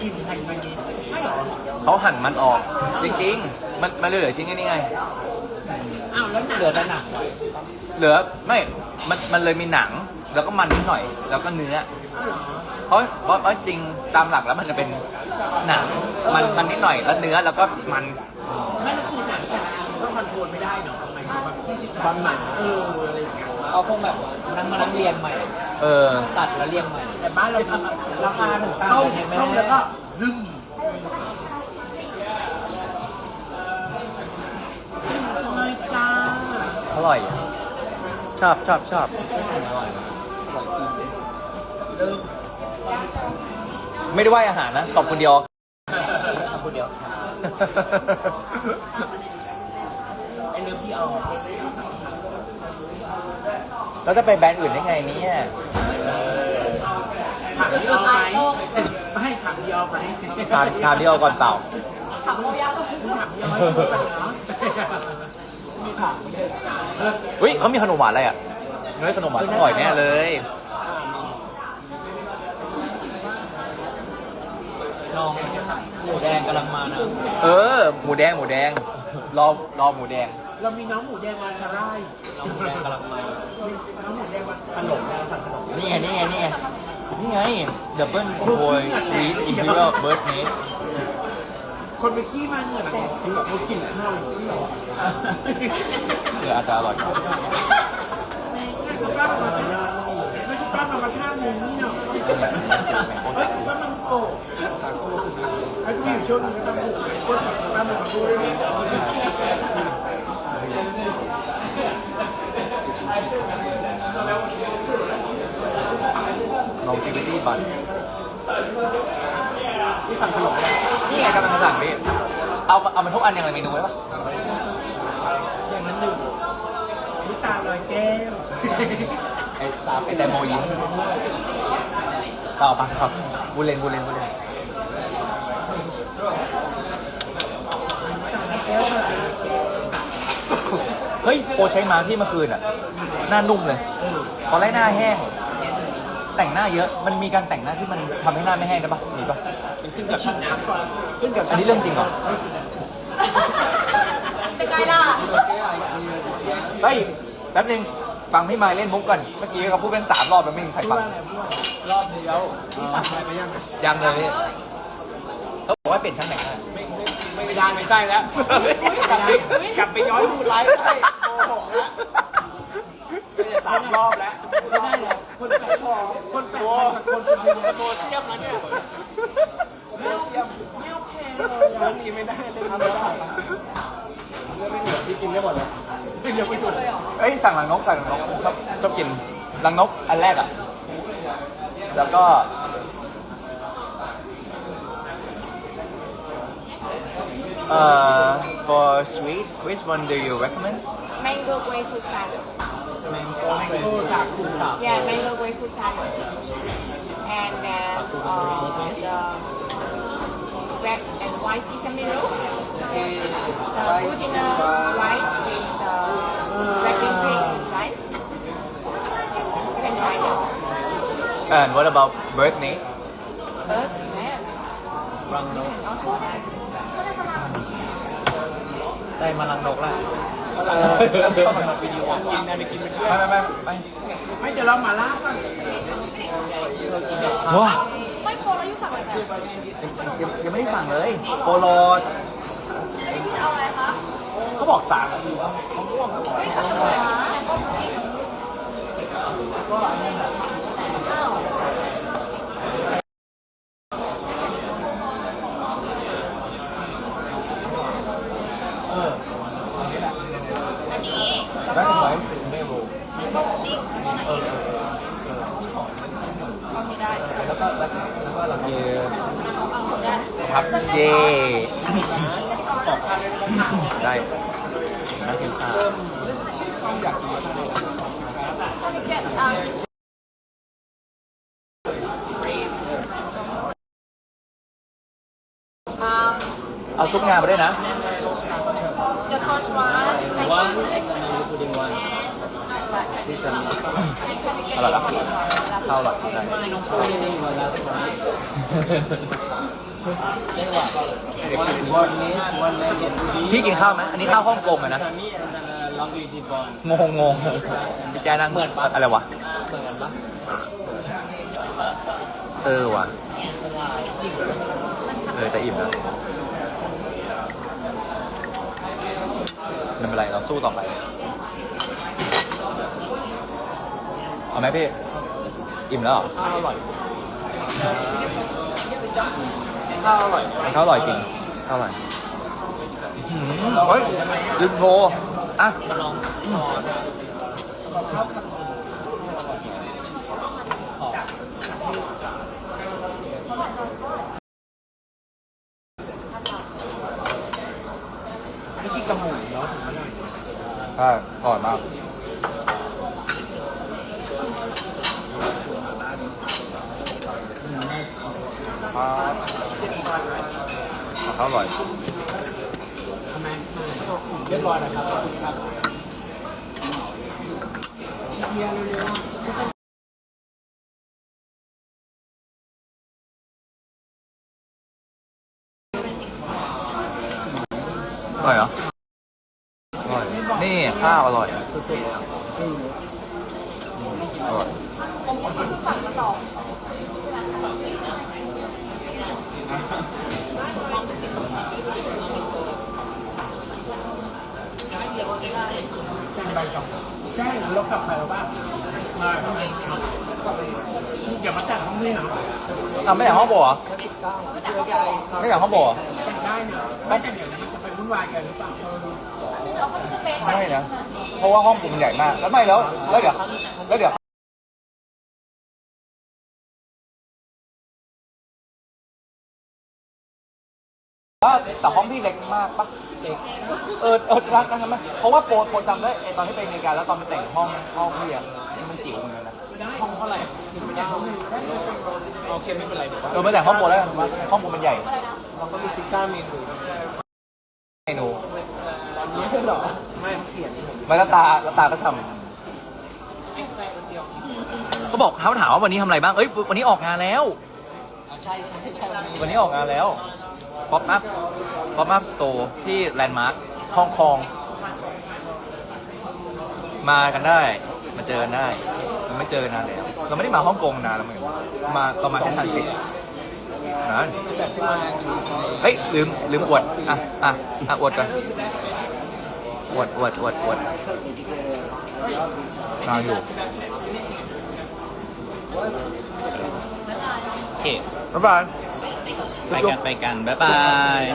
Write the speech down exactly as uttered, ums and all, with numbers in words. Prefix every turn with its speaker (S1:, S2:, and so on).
S1: กินไทยมันนี้ไม่หรอ
S2: เขาหั่นมันออกจริงๆมันมันเหลือจริงนี่ไง
S1: อ้าวแล้วเหลือแต่หนัง
S2: เหลือไม่มันมันเลยมีหนังแล้วก็มันนิดหน่อยแล้วก็เนื้อเพราะเพราะเพราะจริงตามหลักแล้วมันจะเป็นหนังมันมันนิดหน่อยแล้วเนื้อแล้วก็มัน
S1: ไม่แล้วคือหนังแต่ละอันก็คอนโทรลไม่ได้เนาะหมายถึงแบบบางหนังเอออะไรอย่างเงี้ย
S3: เอาพวกแบบนั่งมานั่งเรียงใหม่
S2: เออ
S3: ตัดแล้วเรียงใหม่
S1: แต่บ้านเราทำราคาถึงต้มต้มแล้วก็ซึมใช่จ้า
S2: อร่อยชอบชอบชอบไม่ได้ว่าอาหารนะขอบคุณเดียว
S1: ขอบคุณเดียวไอเลิฟพี่ออ
S2: แล้วจะไปแบรนด์อื่นได้ไงเนี่ย
S1: ถามพี่ออไหมไม่ให้ถามพี่ออไหม
S2: ถามถามพี่ออก่อนเปล่า
S1: ถามพี่ออถามพี่ออให้พูดกันเนาะมีถาม
S2: เฮ้ยเขามีขนมหวานอะไรอ่ะเนื้อขนมหวานอร่อยแน่เลย
S3: น้องหมูแดงกำลังมานะ
S2: เออหมูแดงหมูแดงรอรอหมูแดง
S1: เรามีน้องหมูแดงมาซาร่าย
S3: น้องหมูแดงกำลังมา
S1: น้องหมูแดงมาขนมนะสั่งขนม
S2: นี่ไงนี่ไงนี่ไงนี่ไงดับเบิลโอยสวีทอิมพีเรียลเบิร์ดเนส
S1: คนไปขี้มาเหงื่อแตกคือแบบเขากินข้าวที่หรอ
S2: เอออาจจะอร่อย
S1: ไม่ใช่ป้ามาไม่ใช่ป้ามาท่านึงนี่เนาะเฮ้ยป้ามันโกสาโก้คือสาไอ้ที่อยู่ช่วงนี้ก็ต้องพูดป้ามันมาพูดด้วย
S2: ลองจิบตี้บัน
S1: ที่สั่งขนม
S2: นี่ไงกำลังสั่งพี่เอาเอามันทุกอันอย่างไรเมนูไว้ปะ
S1: อย่างนั้นหนึ่งน้ำตาลอยแก้ว
S2: ไอ้ชาไอ้แตงโมยิ้มต่อปะครับบูเลนบูเลนบูเลนเฮ้ยโปรใช้มาที่เมื่อคืนอ่ะหน้านุ่มเลยตอนแรกหน้าแห้งแต่งหน้าเยอะมันมีการแต่งหน้าที่มันทำให้หน้าไม่แห้งได้ปะมีปะ
S1: มันขึ้นกับฉีดน้ำก่อนขึ้นกับ
S2: อันนี้เรื่องจริงเหรอ
S4: เป็นไงล่ะ
S2: เฮ้ยแป๊บนึงฟังพี่มายเล่นมุกก่อนเมื่อกี้เขาพูดเป็นสามรอบแล้วไม่มีใครฟัง
S1: รอบเดียวที่สั่งอะไรไปยัง
S2: ยังเลยเขาบอกว่าเปลี่ยนช่างแต่งหน้า
S1: ไม่ไม่ไม่ได้ไม่ใช่แล้วกลับไปกลับไปย้อนดูไลฟ์ได้โกหกแล้วจะสามรอบแล้วไม่ได้แล้วคนแปลกคนแปลกคนเป็นโมเซียมนะเนี่ยโมเซียมไม่โอเคเลยเรื่องนี้ไม่ได้เลยทำไม่ได้เรื่องไม่เหลือที่กินได้หมดเลยไม่เหลือไม่หมดเลย
S2: เอ้ยสั่งหลังนกสั่งหลังนกชอบชอบกินหลังนกอันแรกอ่ะแล้วก็เอ่อ for sweet which one do you recommend
S4: mango grapefruit salad
S1: mango saku
S4: yeah mango grapefruit salad and then uh, the red and white sesame roll the glutinous rice with the red bean paste inside you can try it
S2: and what about bird name
S4: bird name
S3: รังนกใจมารังนกละเออชอบมาวิดีโอกินนะไปกินไป
S2: ไม่ไม่ไม่ไม่
S1: ไม่จะเรามาล่าก่อน
S2: ว้า
S4: ไม่โปรแล้วยูสั่งอะไรแบบ
S2: ยังยังไม่ได้สั่งเลยโปโล
S4: พี่จะเอาอะไรคะ
S2: เขาบอกสั่ง
S4: เฮ้ยทำอะไรคะก็อันนี้อ้าวอันนี้แล้วก็มันก็ดิ้งแล้วก็ไหนอีกโอเคได้
S2: แล้วก็แล้วก็หลังเย
S4: ครับ
S2: เย่ได้นักเทนซ่าเอาซุปงาไปด้วยนะ
S4: The first one
S3: one pudding one sesame
S2: อร่อยละข้าวอร่อยใช่
S3: One niche, one legend.
S2: พี่กินข้าวไหมอันนี้ข้าวฮ่องกงอะนะ
S3: Sami and then uh, Luigi Bond.
S2: งงงงพี่แจ๊นั่งอะไรวะ
S3: เหมือนกันปะ
S2: เออว่ะเออแต่อิ่มแล้วไม่เป็นไรเราสู้ต่อไปเอาไหมพี่อิ่มแล้วเหรอ
S3: ข้าวอร่อยข้าวอร่อย
S2: ข้าวอร่อยจริงข้าวอร่อยอื้อหือเฮ้ยลืมโทรอ่ะ
S3: มาลองทอด
S1: นี่กินกระหมูเนาะ
S2: ใช่อร่อยมากข้าวอร่อย
S1: ทำไมเรียบร้อยนะครับขอบคุณครับเฮียเร็วๆ
S2: อร่อยเหรออร่อยนี่ข้าวอร่อยอร่อย
S1: แจ้งใบจองแจ้งเรากลับไปแล้วบ้างได้อย่ามาแต่งห้องนี้นะ
S2: อ่ะไม่อยากห้องโบเหรอไม่อยากห้องโบเหรอ
S1: แต่งได้เนี่ยไม่แต่งเดี๋ยวมันจะไปวุ่นวายกันหรือเปล่า
S2: ไม่นะเพราะว่าห้องผมใหญ่มากแล้วไม่แล้วแล้วเดี๋ยวแล้วเดี๋ยวแต่ห้องพี่เล็กมากปะเล็กเออเออรักกันไหมเพราะว่าโปรโปรจำได้ไอตอนที่ไปอเมริกาแล้วตอนไปแต่งห้องห้องพี่อะมันจิ๋วเหมือนกันนะ
S1: ห้องเท่าไหร่โอเคไม่เป็นไรเดี๋ยว
S2: เออไม่แต่งห้องโปรแล้วกันว่าห้องผมมันใหญ่
S1: เราก็มีซิก้าเมนู
S2: เมนู
S1: ไม่ใช่หรอไม่เขียน
S2: ไม่แล้วตาแล้วตาก็ฉ่ำเขาบอกเขาถามว่าวันนี้ทำอะไรบ้างเอ้ยวันนี้ออกงานแล้ว
S1: ใช่ใช่ใช่
S2: วันนี้ออกงานแล้ว Pop Up Pop Up Store ที่แลนด์มาร์คฮ่องกงมากันได้ มาเจอกันได้เราไม่เจอกันนานแล้วเราไม่ได้มาฮ่องกงนานแล้วเหมือนกันมาเรามาแค่ทันสินะ
S1: แบบที่มา
S2: เฮ้ยลืมลืมอวดอ่ะอ่ะอ่ะอวดก่อนอวดอวดอวดอวดนอนอยู่โอเคบ๊ายบายไปกันไปกันบ๊ายบาย